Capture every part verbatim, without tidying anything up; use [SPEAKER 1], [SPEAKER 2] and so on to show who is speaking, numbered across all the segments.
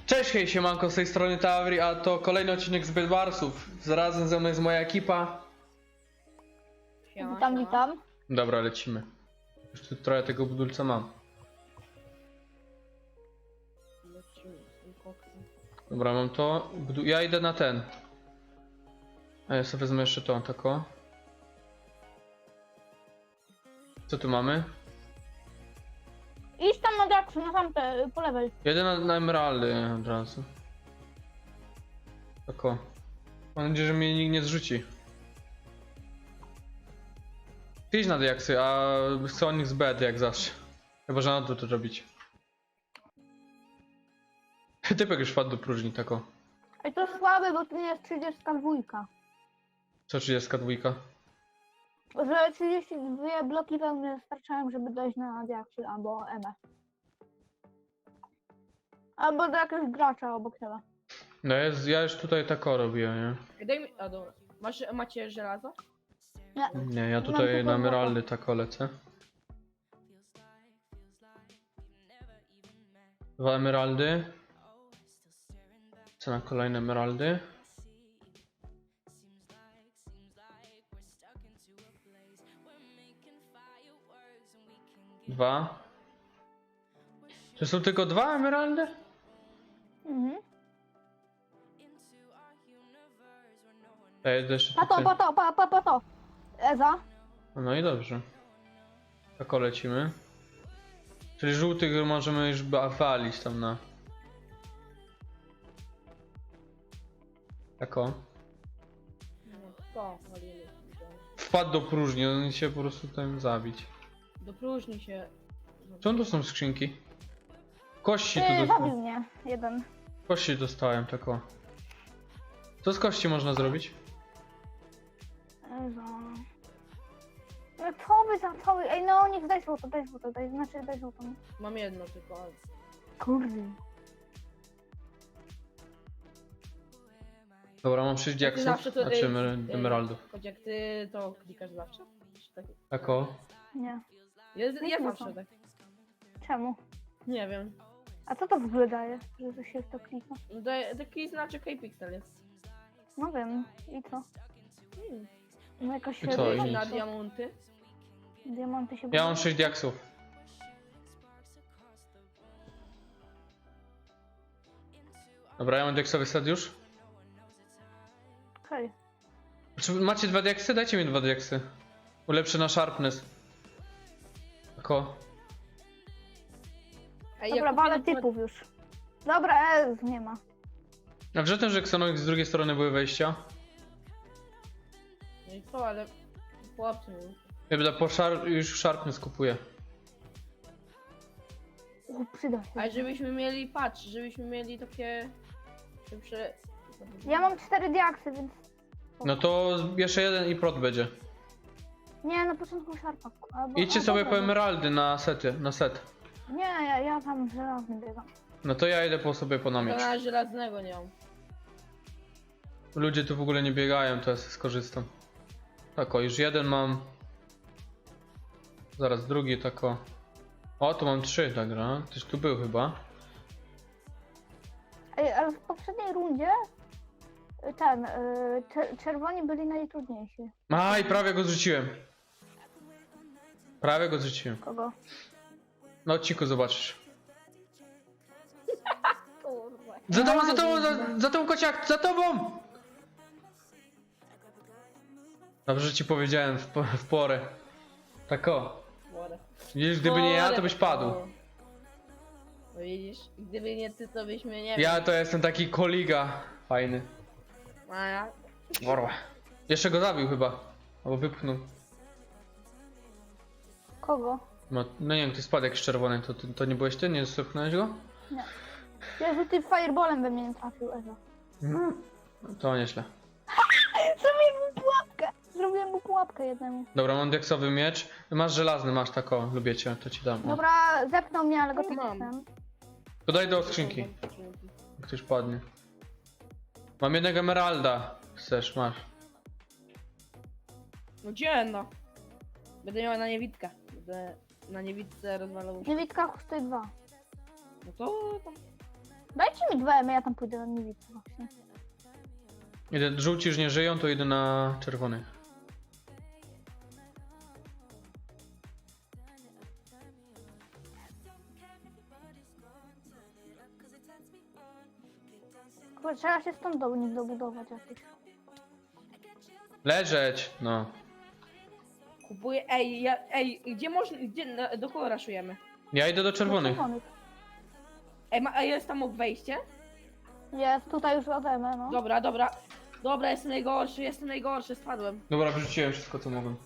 [SPEAKER 1] Cześć, hej, siemanko, z tej strony Tauri, a to kolejny odcinek z Bedwarsów. Zarazem ze mną jest moja ekipa.
[SPEAKER 2] Siema,
[SPEAKER 3] Witam,
[SPEAKER 2] siema.
[SPEAKER 3] witam.
[SPEAKER 1] Dobra, lecimy. Już tu trochę tego budulca mam.
[SPEAKER 2] Lecimy z tym koksem.
[SPEAKER 1] Dobra, mam to. Budu- Ja idę na ten. A ja sobie wezmę jeszcze to, tako. Co tu mamy?
[SPEAKER 3] Idź tam na Daxu, na tamte, po lewej.
[SPEAKER 1] Jedę na, na emeraldy od razu. Tako. Mam nadzieję, że mnie nikt nie zrzuci. Ty idź na diaksy, a chcę o nich z bed jak zawsze. Chyba, że na to to robić. Typek już wpadł do próżni, tako.
[SPEAKER 3] Ej, to słabe, bo tu nie jest trzydziestka dwa.
[SPEAKER 1] Co trzydziestka dwa?
[SPEAKER 3] Że trzydzieści dwa bloki pełne starczają, żeby dojść na Daxy albo M F. Albo do jakiegoś gracza obok ciebie.
[SPEAKER 1] No jest, ja już tutaj tako robię, nie?
[SPEAKER 2] Ej, Daj mi... A dobra. Masz, macie żelazo?
[SPEAKER 3] Nie.
[SPEAKER 1] Nie, ja
[SPEAKER 3] Mam
[SPEAKER 1] tutaj
[SPEAKER 3] tylko
[SPEAKER 1] na
[SPEAKER 3] złoto.
[SPEAKER 1] emeraldy tako lecę. Dwa emeraldy. Co na kolejne emeraldy? Dwa. To są tylko dwa emeraldy?
[SPEAKER 3] Mhm.
[SPEAKER 1] Ja jedę jeszcze
[SPEAKER 3] Pato,
[SPEAKER 1] tutaj.
[SPEAKER 3] pato, pa, pa, pato. Eza.
[SPEAKER 1] No i dobrze. Tako lecimy. Czyli żółtych możemy już ba- walić tam na... Tako.
[SPEAKER 2] No to, walimy.
[SPEAKER 1] Wpadł do próżni, on się po prostu tam zabić.
[SPEAKER 2] Do próżni się...
[SPEAKER 1] Co to są skrzynki? Kości tu
[SPEAKER 3] Ty, zabił
[SPEAKER 1] dostałem.
[SPEAKER 3] mnie. Jeden.
[SPEAKER 1] Kości dostałem, tako. Co z kości można zrobić?
[SPEAKER 3] Eza. No co wy za co wy? Ej, no niech daj złoto, daj złoto, daj, znaczy daj złoto.
[SPEAKER 2] Mam jedno tylko, ale...
[SPEAKER 3] Kurde.
[SPEAKER 1] Dobra, mam sześć diaksów,
[SPEAKER 2] zawsze to-
[SPEAKER 1] znaczy
[SPEAKER 2] ej,
[SPEAKER 1] emer-
[SPEAKER 2] ej.
[SPEAKER 1] emeraldów.
[SPEAKER 2] Choć jak ty to klikasz zawsze? Czy tak?
[SPEAKER 1] Tako.
[SPEAKER 3] Nie.
[SPEAKER 2] Ja,
[SPEAKER 3] Nie
[SPEAKER 2] ja
[SPEAKER 3] klikam.
[SPEAKER 2] zawsze tak.
[SPEAKER 3] Czemu?
[SPEAKER 2] Nie wiem.
[SPEAKER 3] A co to w ogóle daje, że to się w to klika?
[SPEAKER 2] No to- Taki znaczek K-Pixel jest.
[SPEAKER 3] No wiem. I co?
[SPEAKER 2] Hmm.
[SPEAKER 3] No jakoś
[SPEAKER 1] I co,
[SPEAKER 3] się
[SPEAKER 1] i
[SPEAKER 2] Na
[SPEAKER 1] nic.
[SPEAKER 2] diamonty.
[SPEAKER 3] diamanty się
[SPEAKER 1] Ja mam
[SPEAKER 3] budują.
[SPEAKER 1] sześć diaksów. Dobra, ja mam diaksowy set już.
[SPEAKER 3] Okej.
[SPEAKER 1] Czy macie dwa diaksy? Dajcie mi dwa diaksy. Ulepszę na sharpness. Tako.
[SPEAKER 2] Ej,
[SPEAKER 3] Dobra,
[SPEAKER 2] ja
[SPEAKER 3] walę
[SPEAKER 2] kupiłem-
[SPEAKER 3] typów już. Dobra, Ez nie ma.
[SPEAKER 1] A wiesz o tym, że Xenox z drugiej strony były wejścia?
[SPEAKER 2] No i co, ale... Chłopcy mi.
[SPEAKER 1] Ja będę po szar już sharpness kupuję.
[SPEAKER 3] U, przyda się.
[SPEAKER 2] A żebyśmy mieli, patrz, żebyśmy mieli takie... Szybsze...
[SPEAKER 3] Ja mam cztery diaksy, więc...
[SPEAKER 1] No to jeszcze jeden i prot będzie.
[SPEAKER 3] Nie, na początku szarpa. Albo...
[SPEAKER 1] Idźcie
[SPEAKER 3] a,
[SPEAKER 1] sobie
[SPEAKER 3] dobra,
[SPEAKER 1] po
[SPEAKER 3] dobra.
[SPEAKER 1] emeraldy na sety, na set.
[SPEAKER 3] Nie, ja, ja tam żelazny biegam.
[SPEAKER 1] No to ja idę po sobie po
[SPEAKER 2] To
[SPEAKER 1] namiot.
[SPEAKER 2] na żelaznego nie mam.
[SPEAKER 1] Ludzie tu w ogóle nie biegają, to ja sobie skorzystam. Tak o, już jeden mam. Zaraz drugi, tak o. O, tu mam trzy, dobra. Tyś tu był chyba.
[SPEAKER 3] Ej, ale w poprzedniej rundzie y, ten, y, czer- czerwoni byli najtrudniejsi.
[SPEAKER 1] Aj, prawie go zrzuciłem. Prawie go zrzuciłem.
[SPEAKER 3] Kogo?
[SPEAKER 1] Na odcinku zobaczysz.
[SPEAKER 2] Kurwa.
[SPEAKER 1] Za tobą, za tobą, za, za tobą kociak, za tobą! Dobrze, że ci powiedziałem w, po- w porę. Tak o.
[SPEAKER 2] Chore.
[SPEAKER 1] Widzisz, gdyby nie ja, to byś padł.
[SPEAKER 2] No widzisz, gdyby nie ty, to byśmy nie
[SPEAKER 1] Ja
[SPEAKER 2] wiem.
[SPEAKER 1] to jestem taki koliga. Fajny.
[SPEAKER 2] A ja?
[SPEAKER 1] Worła. Jeszcze go zabił chyba. Albo wypchnął.
[SPEAKER 3] Kogo?
[SPEAKER 1] No, no nie wiem, ty spadł jakiś czerwony, to, to, to nie byłeś ty? Nie zepchnąłeś go?
[SPEAKER 3] Jezu, ty fireballem we mnie nie trafił, Ezo.
[SPEAKER 1] No, to nieźle.
[SPEAKER 3] Zrobiłem mu pułapkę! Zrobiłem mu pułapkę jednemu.
[SPEAKER 1] Dobra, mam diaksowy miecz. Masz żelazny, masz tako, lubię cię, to ci dam. O.
[SPEAKER 3] Dobra, zepnął mnie, ale go
[SPEAKER 2] No
[SPEAKER 3] tu
[SPEAKER 2] mam.
[SPEAKER 3] jestem.
[SPEAKER 1] To daj do skrzynki, jak ktoś padnie. Mam jednego emeralda. Chcesz, masz.
[SPEAKER 2] No gdzie no? Będę miała na niewidkę. Będę na niewidce rozwalał.
[SPEAKER 3] Niewidka kosztuje dwa.
[SPEAKER 2] No to tam.
[SPEAKER 3] Dajcie mi dwa emy, ja tam pójdę na niewidkę właśnie.
[SPEAKER 1] Idę, żółci już nie żyją, to idę na czerwony.
[SPEAKER 3] Kurwa, trzeba się stąd do nich dobudować jakoś.
[SPEAKER 1] Leżeć! No.
[SPEAKER 2] Kupuję, ej, ja, ej, gdzie można, gdzie, na- do kogo raszujemy?
[SPEAKER 1] Ja idę do
[SPEAKER 3] Do
[SPEAKER 1] czerwonych.
[SPEAKER 3] czerwonych.
[SPEAKER 2] Ej, ma, a jest tam obok wejście?
[SPEAKER 3] Jest, tutaj już od emy, no.
[SPEAKER 2] Dobra, dobra. Dobra, jestem najgorszy, jestem najgorszy, spadłem.
[SPEAKER 1] Dobra, wyrzuciłem wszystko co mogłem.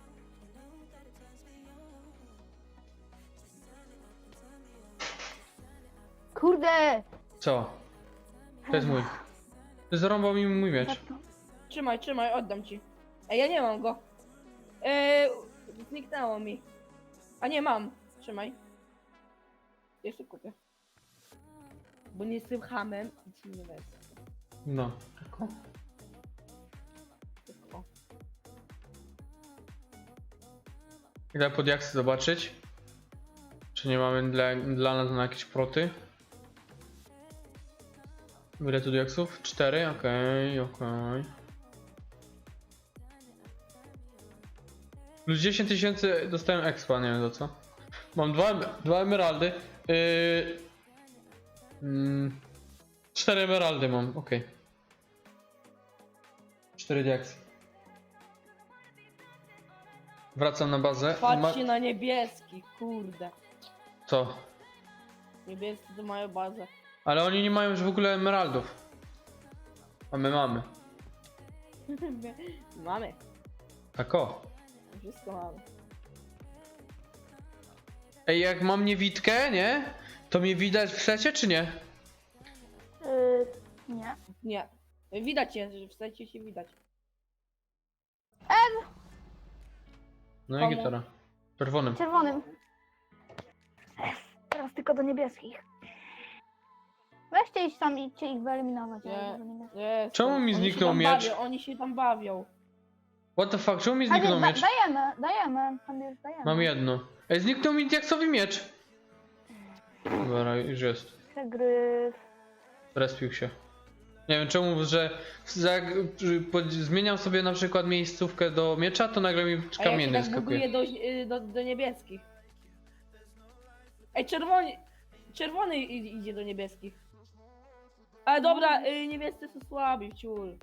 [SPEAKER 3] Kurde!
[SPEAKER 1] Co? To jest mój. Ty zarąbał mi mój miecz.
[SPEAKER 2] Trzymaj, trzymaj, oddam ci. Ej, ja nie mam go. Eee, zniknęło mi. A nie mam. Trzymaj. Jeszcze kupię. Bo nie jestem hamem i ci nie wezmę.
[SPEAKER 1] No.
[SPEAKER 2] Tylko.
[SPEAKER 1] Idę pod jaksy zobaczyć. Czy nie mamy dla, dla nas na jakieś proty? Ile tu jaksów? Cztery? Okej, okej. Plus dziesięć tysięcy dostałem expa, nie wiem za co. Mam dwa, dwa emeraldy. Yy, mm, cztery emeraldy mam, okej. Cztery diaksy. Wracam na bazę.
[SPEAKER 2] Patrzcie
[SPEAKER 1] Ma...
[SPEAKER 2] na niebieski, kurde.
[SPEAKER 1] Co?
[SPEAKER 2] Niebiescy to mają bazę.
[SPEAKER 1] Ale oni nie mają już w ogóle emeraldów. A my mamy.
[SPEAKER 2] Mamy.
[SPEAKER 1] Tak o.
[SPEAKER 2] Wszystko mamy.
[SPEAKER 1] Ej, jak mam niewidkę, nie? To mnie widać w secie, czy nie?
[SPEAKER 3] Yy, nie.
[SPEAKER 2] Nie. Widać je, że wstać się widać.
[SPEAKER 1] No i
[SPEAKER 2] Komu?
[SPEAKER 1] gitara. Czerwonym.
[SPEAKER 3] Czerwonym. Teraz tylko do niebieskich. Weźcie iść tam i idźcie ich wyeliminować.
[SPEAKER 2] Nie.
[SPEAKER 3] ale do niebieskich.
[SPEAKER 2] Jest.
[SPEAKER 1] Czemu mi
[SPEAKER 2] Oni się
[SPEAKER 1] zniknął
[SPEAKER 2] tam
[SPEAKER 1] miecz?
[SPEAKER 2] Bawią, oni się tam bawią.
[SPEAKER 1] What the fuck, czemu mi
[SPEAKER 3] A nie,
[SPEAKER 1] zniknął
[SPEAKER 3] da,
[SPEAKER 1] miecz?
[SPEAKER 3] dajemy, dajemy. Tam już dajemy.
[SPEAKER 1] Mam jedno. Ej, zniknął mi diaksowy miecz. Dobra, już jest.
[SPEAKER 3] Przegryw.
[SPEAKER 1] Respił się. Nie wiem czemu, że jak pod- zmieniam sobie na przykład miejscówkę do miecza, to nagle mi
[SPEAKER 2] A ja się
[SPEAKER 1] kamienny
[SPEAKER 2] tak buguję
[SPEAKER 1] skakuje.
[SPEAKER 2] do, do, do niebieskich. Ej, czerwony, czerwony i- idzie do niebieskich. Ale dobra, y, niebiescy są słabi, ciul.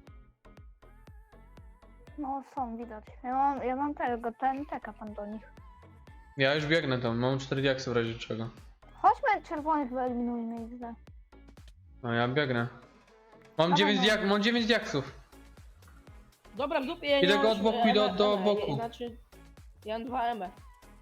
[SPEAKER 3] No są, widać. Ja mam, ja mam tego, ten teka pan do nich.
[SPEAKER 1] Ja już biegnę tam, mam cztery diaksy w razie czego.
[SPEAKER 3] Chodźmy czerwonych wyeliminujmy ich. ze.
[SPEAKER 1] No ja biegnę. Mam
[SPEAKER 3] Dawaj,
[SPEAKER 1] dziewięć,
[SPEAKER 3] no.
[SPEAKER 1] diak mam dziewięć diaksów.
[SPEAKER 2] Dobra, w dupie ja nie
[SPEAKER 1] Idę
[SPEAKER 2] mam
[SPEAKER 1] go od
[SPEAKER 2] już,
[SPEAKER 1] boku,
[SPEAKER 2] e,
[SPEAKER 1] idę
[SPEAKER 2] M,
[SPEAKER 1] do
[SPEAKER 2] M,
[SPEAKER 1] boku.
[SPEAKER 2] Znaczy, ja mam dwa M.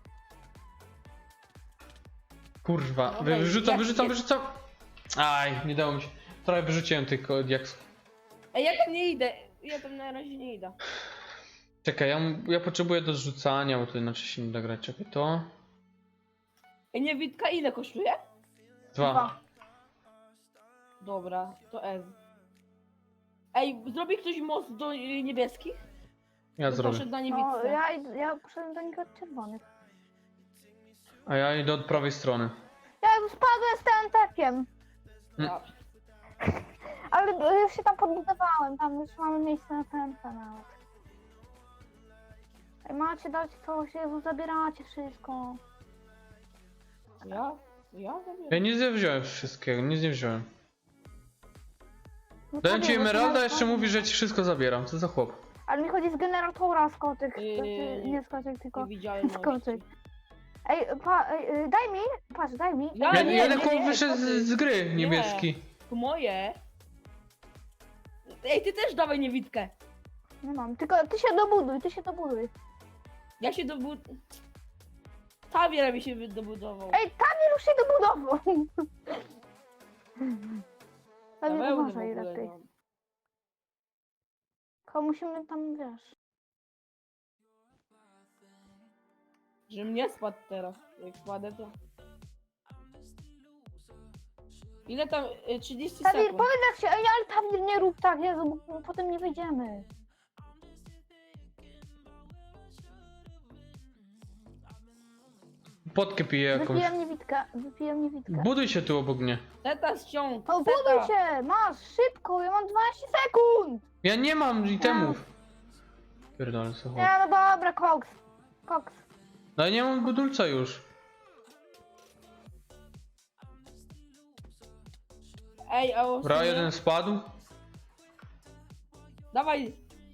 [SPEAKER 1] Kurwa,
[SPEAKER 2] Dobra,
[SPEAKER 1] wyrzucam,
[SPEAKER 2] jak-
[SPEAKER 1] wyrzucam,
[SPEAKER 2] jak-
[SPEAKER 1] wyrzucam. Aj, nie dało mi się. Trochę wyrzuciłem tych ko- diaksów.
[SPEAKER 2] Ej, ja tam nie idę, ja tam na razie nie idę.
[SPEAKER 1] Czekaj, ja, ja potrzebuję do zrzucania, bo to inaczej się nie da grać. Czekaj, to...
[SPEAKER 2] Ej, niewidka ile kosztuje?
[SPEAKER 1] Dwa.
[SPEAKER 3] Dwa.
[SPEAKER 2] Dobra, to S. Ej, zrobi ktoś most do y, niebieskich?
[SPEAKER 1] Ja
[SPEAKER 2] Bo
[SPEAKER 1] zrobię.
[SPEAKER 2] Poszedł na
[SPEAKER 3] No,
[SPEAKER 2] niewidce.
[SPEAKER 3] ja, id- ja poszedłem do nich od czerwonych.
[SPEAKER 1] A ja idę od prawej strony.
[SPEAKER 3] Ja już spadłem z tym tekiem.
[SPEAKER 2] Ja.
[SPEAKER 3] Ale już się tam podbudowałem, tam już mamy miejsce na T N T nawet. Ej, macie dać coś, Jezu, zabieracie wszystko.
[SPEAKER 2] Ja? Ja zabieram.
[SPEAKER 1] Ja nic nie wziąłem wszystkiego, nic nie wziąłem.
[SPEAKER 3] No
[SPEAKER 1] Dałem
[SPEAKER 3] to
[SPEAKER 1] ci
[SPEAKER 3] nie, bo to
[SPEAKER 1] emeralda, a
[SPEAKER 3] nawet
[SPEAKER 1] jeszcze
[SPEAKER 3] fajnie.
[SPEAKER 1] mówi, że ci wszystko zabieram. Co za chłop?
[SPEAKER 3] Ale mi chodzi z generatora skoczek,
[SPEAKER 2] Yy,
[SPEAKER 3] znaczy, nie skoczek, tylko...
[SPEAKER 2] Nie widziałem
[SPEAKER 3] Skoczyk.
[SPEAKER 2] mości.
[SPEAKER 3] Ej, pa, ej, y, daj mi, patrz, daj mi.
[SPEAKER 2] Ja
[SPEAKER 1] Ja,
[SPEAKER 2] nie,
[SPEAKER 1] ja
[SPEAKER 2] nie,
[SPEAKER 1] lekko
[SPEAKER 2] nie,
[SPEAKER 1] wyszedł
[SPEAKER 2] co ty?
[SPEAKER 1] z, z gry
[SPEAKER 2] Nie.
[SPEAKER 1] niebieski.
[SPEAKER 2] To moje. Ej, ty też dawaj niewidkę.
[SPEAKER 3] Nie mam, tylko ty się dobuduj, ty się dobuduj.
[SPEAKER 2] Ja się dobud... Tawier mi się wy- dobudował.
[SPEAKER 3] Ej, Tamir już się dobudował.
[SPEAKER 2] Ja
[SPEAKER 3] Tamir,
[SPEAKER 2] wełny w
[SPEAKER 3] uważaj
[SPEAKER 2] ogóle
[SPEAKER 3] lepiej.
[SPEAKER 2] nie mam.
[SPEAKER 3] Tylko musimy tam, wiesz...
[SPEAKER 2] Żebym nie spadł teraz. Jak spadę to... Ile tam? Y, trzydzieści
[SPEAKER 3] Tamir,
[SPEAKER 2] sekund.
[SPEAKER 3] powiedz jak się, ej, ale Tamir nie rób tak, Jezu, bo potem nie wyjdziemy.
[SPEAKER 1] Potkę piję jakąś.
[SPEAKER 3] Wypiłem niewidkę, wypiłem niewidkę.
[SPEAKER 1] Buduj się tu obok mnie.
[SPEAKER 2] Teta ściąg.
[SPEAKER 3] O, buduj się! Masz, szybko, ja mam dwanaście sekund!
[SPEAKER 1] Ja nie mam itemów. Pierdolę sobie.
[SPEAKER 3] Nie, no dobra, koks. Koks.
[SPEAKER 1] No ja nie mam budulca już.
[SPEAKER 2] Ej, a o,
[SPEAKER 1] Bra, jeden spadł.
[SPEAKER 2] Dawaj.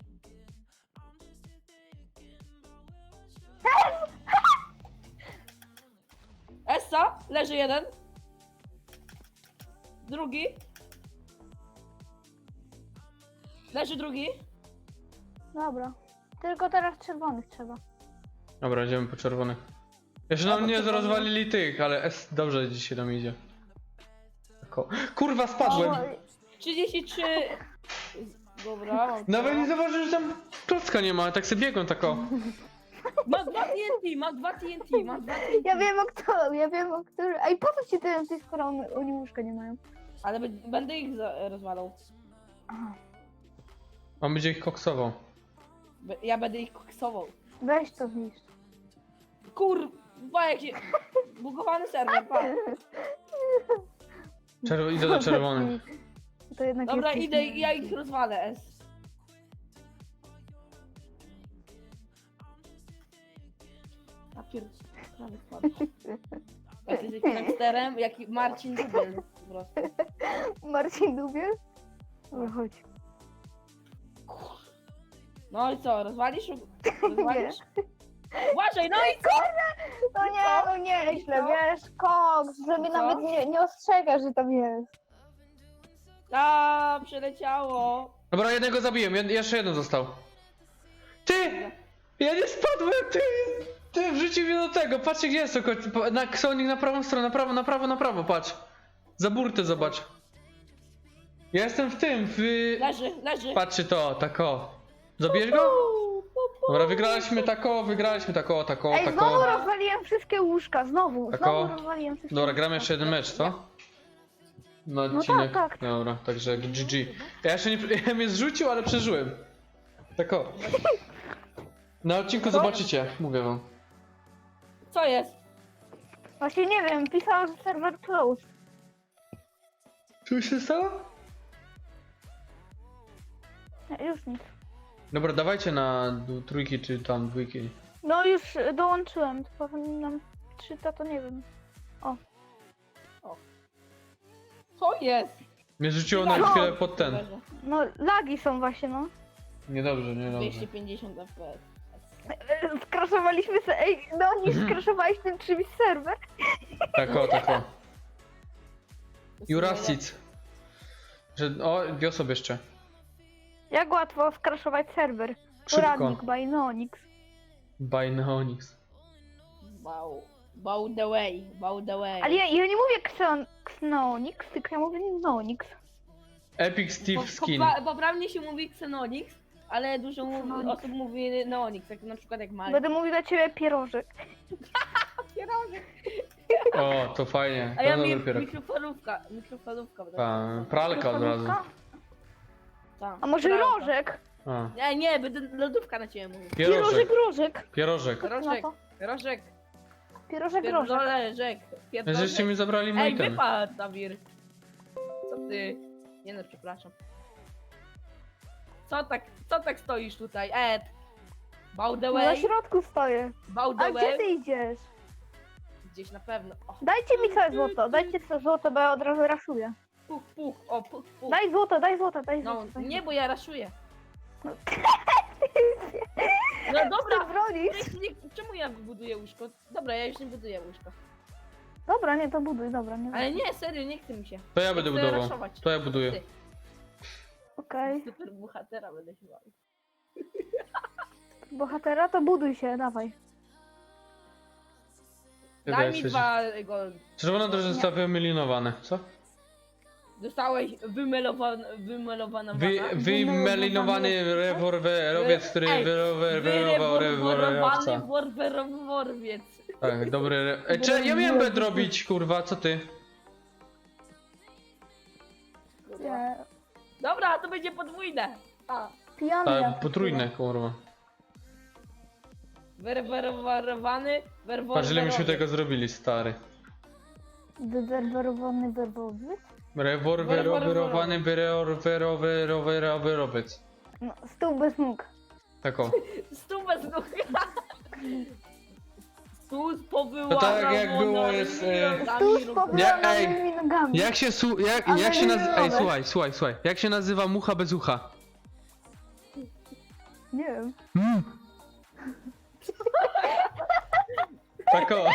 [SPEAKER 2] Essa, leży jeden. Drugi. Leży drugi.
[SPEAKER 3] Dobra. Tylko teraz czerwonych trzeba.
[SPEAKER 1] Dobra, idziemy po czerwonych. Jeszcze nam nie rozwalili tych, ale S dobrze dzisiaj nam idzie. Tako. Kurwa, spadłem!
[SPEAKER 3] O,
[SPEAKER 2] trzydzieści trzy. Dobra, mam
[SPEAKER 1] Nawet
[SPEAKER 2] to.
[SPEAKER 1] nie zauważyłem, że tam klocka nie ma, tak sobie biegłem tako.
[SPEAKER 2] Ma dwa T N T, ma dwa T N T, ma dwa T N T.
[SPEAKER 3] ja wiem o którym, ja wiem o którym. Ej, po co ci te ty, skoro oni, oni łóżka nie mają?
[SPEAKER 2] Ale b- będę ich za- rozwalał.
[SPEAKER 3] Aha.
[SPEAKER 1] On będzie ich koksował.
[SPEAKER 2] Be- Ja będę ich koksował.
[SPEAKER 3] Weź to zniszcz.
[SPEAKER 2] Kurwa, jak się... Bugowany serwer, pa.
[SPEAKER 1] Czerw idę do czerwonych.
[SPEAKER 3] To jednak
[SPEAKER 2] Dobra,
[SPEAKER 3] jest
[SPEAKER 2] idę i ja ich rozwalę, S. A pier... prawie spadł. Jesteś gangsterem, jak Marcin Dubiel po prostu.
[SPEAKER 3] Marcin Dubiel? Dobra, chodź.
[SPEAKER 2] No i co, rozwalisz? Rozwalisz? Uważaj, no i co?
[SPEAKER 3] No nie, no nie, źle,
[SPEAKER 2] Co?
[SPEAKER 3] wiesz, koks, że mnie
[SPEAKER 2] Co?
[SPEAKER 3] nawet nie, nie ostrzega, że tam jest.
[SPEAKER 2] A, przeleciało.
[SPEAKER 1] Dobra, jednego zabiłem, jed jeszcze jeden został. Ty! Ja nie spadłem, ty! Ty wrzucił mnie do tego, patrzcie gdzie jest to koń- po- na Ksonik na prawą stronę, na prawo, na prawo, na prawo, patrz. Za burtę zobacz. Ja jestem w tym, w...
[SPEAKER 2] Leży, leży.
[SPEAKER 1] Patrzcie to, tak o. Zabijesz go?
[SPEAKER 2] Pu, pu, pu.
[SPEAKER 1] Dobra, wygraliśmy tako, wygraliśmy tako, tako,
[SPEAKER 3] Ej, znowu
[SPEAKER 1] tako.
[SPEAKER 3] rozwaliłem wszystkie łóżka, znowu,
[SPEAKER 1] Tak
[SPEAKER 3] znowu
[SPEAKER 1] o.
[SPEAKER 3] rozwaliłem wszystkie
[SPEAKER 1] Dobra,
[SPEAKER 3] łóżka.
[SPEAKER 1] gramy jeszcze jeden mecz, co? Na
[SPEAKER 3] No
[SPEAKER 1] odcinek.
[SPEAKER 3] tak, tak.
[SPEAKER 1] Dobra, także G G. Ja jeszcze nie, ja mnie zrzucił, ale przeżyłem. Tak o. Na odcinku zobaczycie, mówię wam.
[SPEAKER 2] Co jest?
[SPEAKER 3] Właśnie nie wiem, pisała, że serwer close.
[SPEAKER 1] Co się stało?
[SPEAKER 3] Nie, już nic.
[SPEAKER 1] Dobra, dawajcie na d- trójki czy tam dwójki.
[SPEAKER 3] No już y, dołączyłem, to powinnam czyta, to nie wiem.
[SPEAKER 2] Co jest?
[SPEAKER 1] Mnie rzuciło na
[SPEAKER 3] No.
[SPEAKER 1] chwilę pod ten.
[SPEAKER 3] No lagi są właśnie, no.
[SPEAKER 1] Niedobrze, niedobrze.
[SPEAKER 2] dwieście pięćdziesiąt F P S.
[SPEAKER 3] E, Skraszowaliśmy se, ej, no nie skraszowałeś tym czymś serwer.
[SPEAKER 1] Tak o, tak o. Jurasic. Że, o, dwie osoby jeszcze.
[SPEAKER 3] Jak łatwo skraszować serwer.
[SPEAKER 1] Szybko.
[SPEAKER 3] Poradnik by Nonix.
[SPEAKER 1] By Neonix.
[SPEAKER 2] Wow. Bow the way, bow the way.
[SPEAKER 3] Ale ja, ja nie mówię Xeon, Xenonix, tylko ja mówię Nonix.
[SPEAKER 1] Epic Steve
[SPEAKER 2] Po-
[SPEAKER 1] Skin.
[SPEAKER 2] popra- Poprawnie się mówi Xenonix, ale dużo mówi,
[SPEAKER 3] Xenonix.
[SPEAKER 2] osób mówi Neonix, jak na przykład jak Mali.
[SPEAKER 3] Będę mówił dla ciebie pierożek.
[SPEAKER 1] O, to fajnie.
[SPEAKER 2] A
[SPEAKER 1] To
[SPEAKER 2] ja
[SPEAKER 1] dobry
[SPEAKER 2] mi
[SPEAKER 1] pierog.
[SPEAKER 2] mikrofalówka, mikrofalówka. będę
[SPEAKER 1] Pa,
[SPEAKER 2] mówił.
[SPEAKER 1] pralka od razu.
[SPEAKER 3] Lodówka?
[SPEAKER 2] Tak,
[SPEAKER 3] A może
[SPEAKER 2] pralka.
[SPEAKER 3] rożek?
[SPEAKER 1] A,
[SPEAKER 2] Nie, nie, będę lodówka na ciebie mówił.
[SPEAKER 3] Pierożek,
[SPEAKER 1] pierożek.
[SPEAKER 3] rożek.
[SPEAKER 1] Pierożek.
[SPEAKER 3] Co ty na
[SPEAKER 2] Rożek,
[SPEAKER 3] to?
[SPEAKER 2] rożek,
[SPEAKER 3] Pierożek, rożek.
[SPEAKER 2] pierdolę, rzek, pierdolę.
[SPEAKER 1] Żeście mi zabrali mój
[SPEAKER 2] Ej,
[SPEAKER 1] item.
[SPEAKER 2] wypadł, Dawir. Co ty? Nie no, przepraszam. Co tak, co tak stoisz tutaj, Ed? Bow the
[SPEAKER 3] No na
[SPEAKER 2] way,
[SPEAKER 3] środku stoję.
[SPEAKER 2] bow
[SPEAKER 3] A
[SPEAKER 2] the
[SPEAKER 3] gdzie
[SPEAKER 2] way.
[SPEAKER 3] ty idziesz?
[SPEAKER 2] Gdzieś na pewno. O,
[SPEAKER 3] Dajcie mi całe złoto, dajcie całe złoto, bo ja od razu raszuję.
[SPEAKER 2] puch, puch, o, puch, puch.
[SPEAKER 3] Daj złoto, daj złoto, daj
[SPEAKER 2] No,
[SPEAKER 3] złoto. daj
[SPEAKER 2] nie,
[SPEAKER 3] złoto.
[SPEAKER 2] bo ja raszuję.
[SPEAKER 3] No.
[SPEAKER 2] No
[SPEAKER 3] Ty
[SPEAKER 2] dobra,
[SPEAKER 3] bronisz?
[SPEAKER 2] nie, nie, czemu ja buduję łóżko? Dobra, ja już nie buduję łóżka.
[SPEAKER 3] Dobra, nie, to buduj, dobra. Nie
[SPEAKER 2] Ale nie, serio, nie chce mi się.
[SPEAKER 1] To ja będę
[SPEAKER 2] Chcę
[SPEAKER 1] budował.
[SPEAKER 2] raszować.
[SPEAKER 1] To ja buduję.
[SPEAKER 2] Ty.
[SPEAKER 3] Okej,
[SPEAKER 2] Super bohatera będę się bawił.
[SPEAKER 3] bohatera, to buduj się, dawaj.
[SPEAKER 1] Chyba
[SPEAKER 2] Daj mi
[SPEAKER 1] jesteś-
[SPEAKER 2] dwa gold.
[SPEAKER 1] Czerwona też została wymilinowane. Co?
[SPEAKER 2] Dostałeś wymelowana, wymelowana
[SPEAKER 1] Wy, wymelinowany rewolwerowiec, który
[SPEAKER 2] Ej,
[SPEAKER 1] wyrowerował rewolwerowca.
[SPEAKER 2] Wyreworwerowany worweroworowiec.
[SPEAKER 1] Tak, dobry. re- Ej, cze, ja miałem bed robić, kurwa, co ty?
[SPEAKER 3] Nie,
[SPEAKER 2] Dobra, to będzie podwójne. A,
[SPEAKER 3] pijany
[SPEAKER 1] Tak,
[SPEAKER 3] jak
[SPEAKER 1] potrójne, kurwa.
[SPEAKER 2] wyreworowany Werwo,
[SPEAKER 1] Patrz ile myśmy
[SPEAKER 2] werowiec.
[SPEAKER 1] tego zrobili, stary.
[SPEAKER 3] Wywerwerowany werwowy.
[SPEAKER 1] Rewolwerowany wyrowerowerowerowiec.
[SPEAKER 3] No, stół bez nóg.
[SPEAKER 1] Tak o.
[SPEAKER 2] Stół bez nóg. Stół z powyłamanymi
[SPEAKER 1] To tak jak było jest, e,
[SPEAKER 3] Stół z
[SPEAKER 1] Ja- ej.
[SPEAKER 3] powyłamanymi nogami.
[SPEAKER 1] Jak się su... Jak,
[SPEAKER 3] Ale
[SPEAKER 1] jak się nazywa... Ej,
[SPEAKER 3] wyrowe.
[SPEAKER 1] słuchaj, słuchaj, słuchaj. Jak się nazywa mucha bez ucha?
[SPEAKER 3] Nie wiem.
[SPEAKER 1] Mm. Tak o.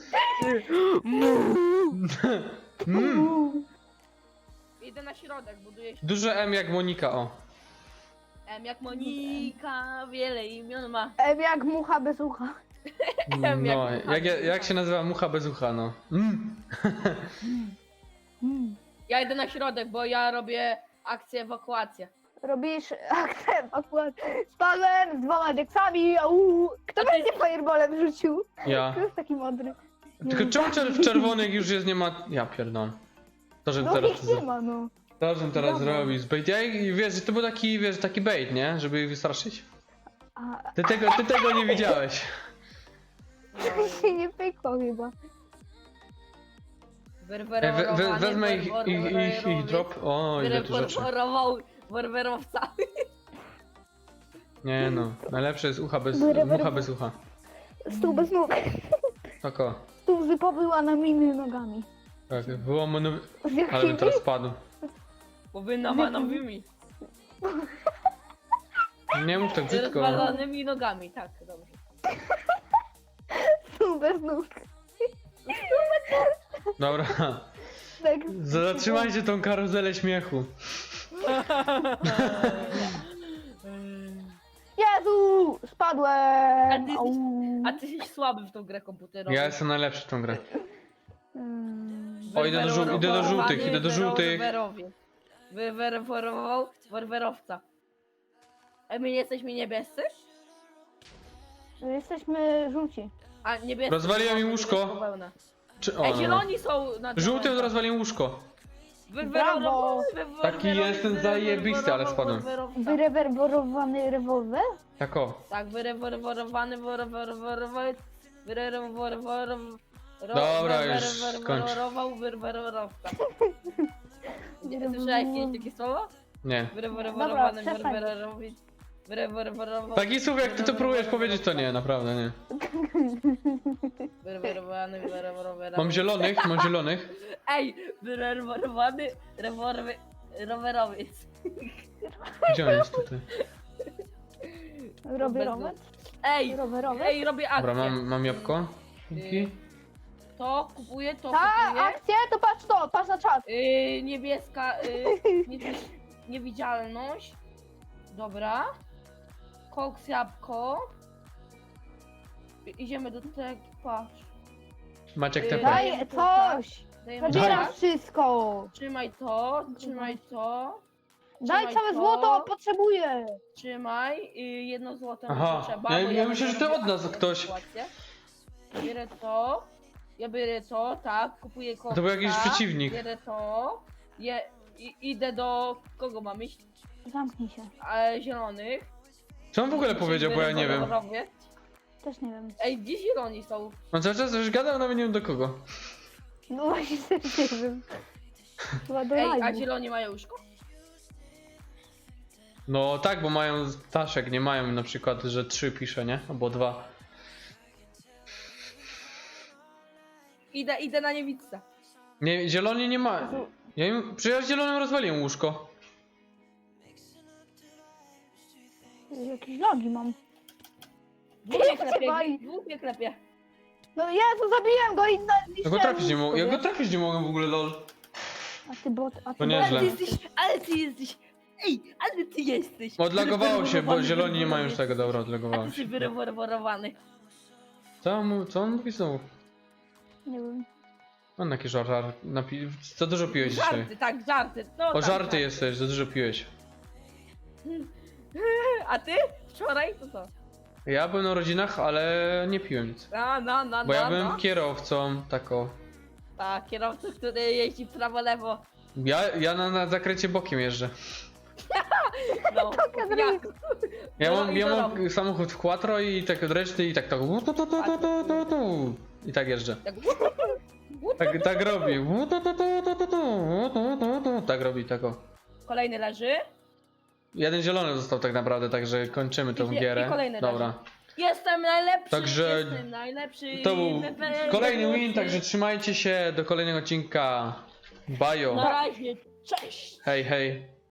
[SPEAKER 1] Mm.
[SPEAKER 2] Idę na środek, buduję się.
[SPEAKER 1] Duże M jak Monika, o.
[SPEAKER 2] M jak Monika, wiele imion ma.
[SPEAKER 3] Em jak mucha bez ucha.
[SPEAKER 2] M jak
[SPEAKER 1] No,
[SPEAKER 2] mucha
[SPEAKER 1] jak,
[SPEAKER 2] bez
[SPEAKER 1] jak
[SPEAKER 2] ucha.
[SPEAKER 1] się nazywa mucha bez ucha, no. Mm.
[SPEAKER 3] Mm.
[SPEAKER 2] Ja idę na środek, bo ja robię akcję ewakuację.
[SPEAKER 3] Robisz akcent akurat. Spadłem z dwoma deksami, au. Kto
[SPEAKER 2] A ty-
[SPEAKER 3] będzie fireballem rzucił?
[SPEAKER 1] Ja.
[SPEAKER 3] Kto jest taki mądry? Nie
[SPEAKER 1] Tylko
[SPEAKER 3] wiem.
[SPEAKER 1] czemu czer- w czerwonych już jest nie ma... Ja pierdolę. To, żebym
[SPEAKER 3] No
[SPEAKER 1] teraz...
[SPEAKER 3] ich nie ma, no.
[SPEAKER 1] To, żebym teraz
[SPEAKER 3] Dobra.
[SPEAKER 1] zrobił z bait. Ja i wiesz, że to był taki, wiesz, taki bait, nie? Żeby ich wystraszyć.
[SPEAKER 3] A
[SPEAKER 1] Ty tego, ty tego nie widziałeś.
[SPEAKER 3] się nie pykło chyba.
[SPEAKER 1] Ej, we, we, wezmę ich, ich, ich, ich drop. O, ile tu rzeczy.
[SPEAKER 2] Wyreportował werwerowca.
[SPEAKER 1] Nie no, najlepsze jest ucha bez,
[SPEAKER 3] Wyre-
[SPEAKER 1] mucha
[SPEAKER 3] wyre-
[SPEAKER 1] bez ucha.
[SPEAKER 3] Stół bez nóg.
[SPEAKER 1] Tak o.
[SPEAKER 3] Stół z powyłamanymi nogami.
[SPEAKER 1] Tak, było mono...
[SPEAKER 3] Z
[SPEAKER 1] Ale bym
[SPEAKER 3] jakimi?
[SPEAKER 1] teraz spadł.
[SPEAKER 2] Bo wy namanowymi.
[SPEAKER 1] Nie mów tak
[SPEAKER 2] Z
[SPEAKER 1] brzydko.
[SPEAKER 2] rozwalonymi nogami, tak, dobrze.
[SPEAKER 3] Stół bez nóg.
[SPEAKER 1] Dobra.
[SPEAKER 3] Tak.
[SPEAKER 1] Zatrzymajcie tą karuzelę śmiechu.
[SPEAKER 3] Jezu! Spadłem!
[SPEAKER 2] A ty jesteś-
[SPEAKER 3] Au.
[SPEAKER 2] A ty jesteś słaby w tą grę komputerową.
[SPEAKER 1] Ja jestem najlepszy w tą grę.
[SPEAKER 3] Mm.
[SPEAKER 1] O, idę do żół- idę do żółtych, idę do żółtych.
[SPEAKER 2] Wywerował werwerowca. A my nie jesteśmy niebiescy?
[SPEAKER 3] Jesteśmy żółci.
[SPEAKER 2] A niebiescy.
[SPEAKER 1] Rozwaliłem
[SPEAKER 2] są
[SPEAKER 1] im
[SPEAKER 2] na
[SPEAKER 1] łóżko.
[SPEAKER 2] niebieską wełnę.
[SPEAKER 1] Czy... O,
[SPEAKER 2] Ej,
[SPEAKER 1] no.
[SPEAKER 2] zieloni są na
[SPEAKER 1] Żółtym
[SPEAKER 2] czerwonych.
[SPEAKER 1] rozwaliłem łóżko.
[SPEAKER 3] Brawo.
[SPEAKER 1] Taki jestem zajebisty, ale spadłem.
[SPEAKER 3] Wyrewerberowany rewolwer?
[SPEAKER 1] Tak o.
[SPEAKER 2] Tak, wyrewerowany, wyrewerowany, wyrewerowany.
[SPEAKER 1] Dobra, już skończ.
[SPEAKER 2] Wyrewerował werwerowca. Nie, słyszałeś kiedyś takie słowo?
[SPEAKER 1] Nie.
[SPEAKER 2] Wyrewerowany,
[SPEAKER 3] Dobra, przestań.
[SPEAKER 2] wyrewerowy. Wyrewerował.
[SPEAKER 1] Takich słów jak ty to próbujesz powiedzieć, to nie, naprawdę nie.
[SPEAKER 2] Wyrewerowany, wyrewerowany.
[SPEAKER 1] Mam zielonych, mam zielonych.
[SPEAKER 2] Ej, wyrewerowany, reworwy, rowerowiec.
[SPEAKER 1] Gdzie on jest tutaj?
[SPEAKER 3] Rowerowy?
[SPEAKER 2] Ej,
[SPEAKER 3] Rowerowy?
[SPEAKER 2] ej, robię akcję.
[SPEAKER 1] Dobra, mam, mam jabłko. Dzięki.
[SPEAKER 2] To kupuję, to
[SPEAKER 3] Ta
[SPEAKER 2] kupuję.
[SPEAKER 3] akcja, to patrz to, patrz na czat.
[SPEAKER 2] Yy, niebieska, yy, nie, niewidzialność. Dobra. Koks, jabłko. I- Idziemy do tego, patrz.
[SPEAKER 1] Maciek
[SPEAKER 2] Yy,
[SPEAKER 1] T P.
[SPEAKER 3] Daj coś.
[SPEAKER 2] Dajemy
[SPEAKER 3] Zabieram
[SPEAKER 2] tak.
[SPEAKER 3] wszystko.
[SPEAKER 2] Trzymaj to, trzymaj to,
[SPEAKER 3] Daj
[SPEAKER 2] Trzymaj
[SPEAKER 3] całe
[SPEAKER 2] to.
[SPEAKER 3] złoto, potrzebuję.
[SPEAKER 2] trzymaj. Yy, jedno złote
[SPEAKER 1] Aha,
[SPEAKER 2] trzeba.
[SPEAKER 1] ja-
[SPEAKER 2] bo
[SPEAKER 1] ja myślę,
[SPEAKER 2] będę
[SPEAKER 1] że to
[SPEAKER 2] robił
[SPEAKER 1] od nas
[SPEAKER 2] akcję,
[SPEAKER 1] ktoś.
[SPEAKER 2] sytuację. Bierę to. Ja biorę to, tak, kupuję koksa.
[SPEAKER 1] To był jakiś przeciwnik.
[SPEAKER 2] Bierę to. Je, i, idę do... Kogo mam iść?
[SPEAKER 3] Zamknij się.
[SPEAKER 2] E, zielonych.
[SPEAKER 1] Co on w ogóle powiedział, bo ja nie wiem.
[SPEAKER 2] Robię.
[SPEAKER 3] Też nie wiem.
[SPEAKER 2] Ej, gdzie zieloni są?
[SPEAKER 1] On cały czas już gadał, nawet nie wiem do kogo.
[SPEAKER 3] No właśnie też nie wiem. Chyba do
[SPEAKER 2] Ej, a
[SPEAKER 3] live'u.
[SPEAKER 2] zieloni mają łóżko?
[SPEAKER 1] No tak, bo mają ptaszek, nie mają na przykład, że trzy pisze, nie? Albo dwa.
[SPEAKER 2] Idę, idę na niewidce.
[SPEAKER 1] Nie, zieloni nie ma. Ja im, przecież ja zielonym rozwaliłem łóżko.
[SPEAKER 3] Jakieś nogi mam.
[SPEAKER 2] Dwóch mnie
[SPEAKER 3] Czekaj.
[SPEAKER 2] klepie, dwóch mnie klepie.
[SPEAKER 3] No Jezu, zabiłem go i na
[SPEAKER 1] Ja go trafić nie mogłem, ja go trafić nie mogłem w ogóle, lol.
[SPEAKER 3] A ty bot, a ty
[SPEAKER 1] To
[SPEAKER 3] bot.
[SPEAKER 1] nieźle.
[SPEAKER 2] Ale ty jesteś, ale ty jesteś, ej, ale ty jesteś.
[SPEAKER 1] Odlagowało się, bo
[SPEAKER 2] Wyreworowany,
[SPEAKER 1] zieloni nie mają już tego, dobra,
[SPEAKER 2] A
[SPEAKER 1] odlagowało
[SPEAKER 2] ty
[SPEAKER 1] się.
[SPEAKER 2] jesteś wyreworowany.
[SPEAKER 1] Co on, mu- co on mówi znowu?
[SPEAKER 3] Nie wiem.
[SPEAKER 1] On jakiś żart, żart napi... Za dużo piłeś dzisiaj.
[SPEAKER 2] Żarty, tak, żarty. No,
[SPEAKER 1] O
[SPEAKER 2] tak,
[SPEAKER 1] żarty
[SPEAKER 2] żarty.
[SPEAKER 1] jesteś, za dużo piłeś.
[SPEAKER 2] A ty? Wczoraj? To co?
[SPEAKER 1] Ja byłem na rodzinach, ale nie piłem nic.
[SPEAKER 2] No, no, no,
[SPEAKER 1] Bo ja
[SPEAKER 2] no,
[SPEAKER 1] byłem
[SPEAKER 2] no.
[SPEAKER 1] kierowcą, tako.
[SPEAKER 2] Tak, kierowca, który jeździ prawo-lewo.
[SPEAKER 1] Ja, ja na, na zakręcie bokiem jeżdżę.
[SPEAKER 2] No, jak?
[SPEAKER 1] Ja
[SPEAKER 2] No
[SPEAKER 1] mam,
[SPEAKER 2] i
[SPEAKER 1] ja
[SPEAKER 2] co
[SPEAKER 1] mam
[SPEAKER 2] robisz?
[SPEAKER 1] samochód w quattro i tak reszty i tak tak. tu, tu, tu, tu, tu, tu, tu. I tak jeżdżę.
[SPEAKER 2] Tak,
[SPEAKER 1] Tak, tak robi. Tu, tu, tu, tu, tu, tu, tu, tu, tu. Tak robi tako.
[SPEAKER 2] kolejny leży.
[SPEAKER 1] Jeden zielony został tak naprawdę, także kończymy tą
[SPEAKER 2] Idzie- i
[SPEAKER 1] gierę.
[SPEAKER 2] kolejny
[SPEAKER 1] Dobra.
[SPEAKER 2] Jestem najlepszy,
[SPEAKER 1] Także
[SPEAKER 2] jestem najlepszy.
[SPEAKER 1] To był
[SPEAKER 2] najlepszy.
[SPEAKER 1] kolejny win, także trzymajcie się do kolejnego odcinka. Bajo.
[SPEAKER 2] Na razie, cześć!
[SPEAKER 1] Hej, hej.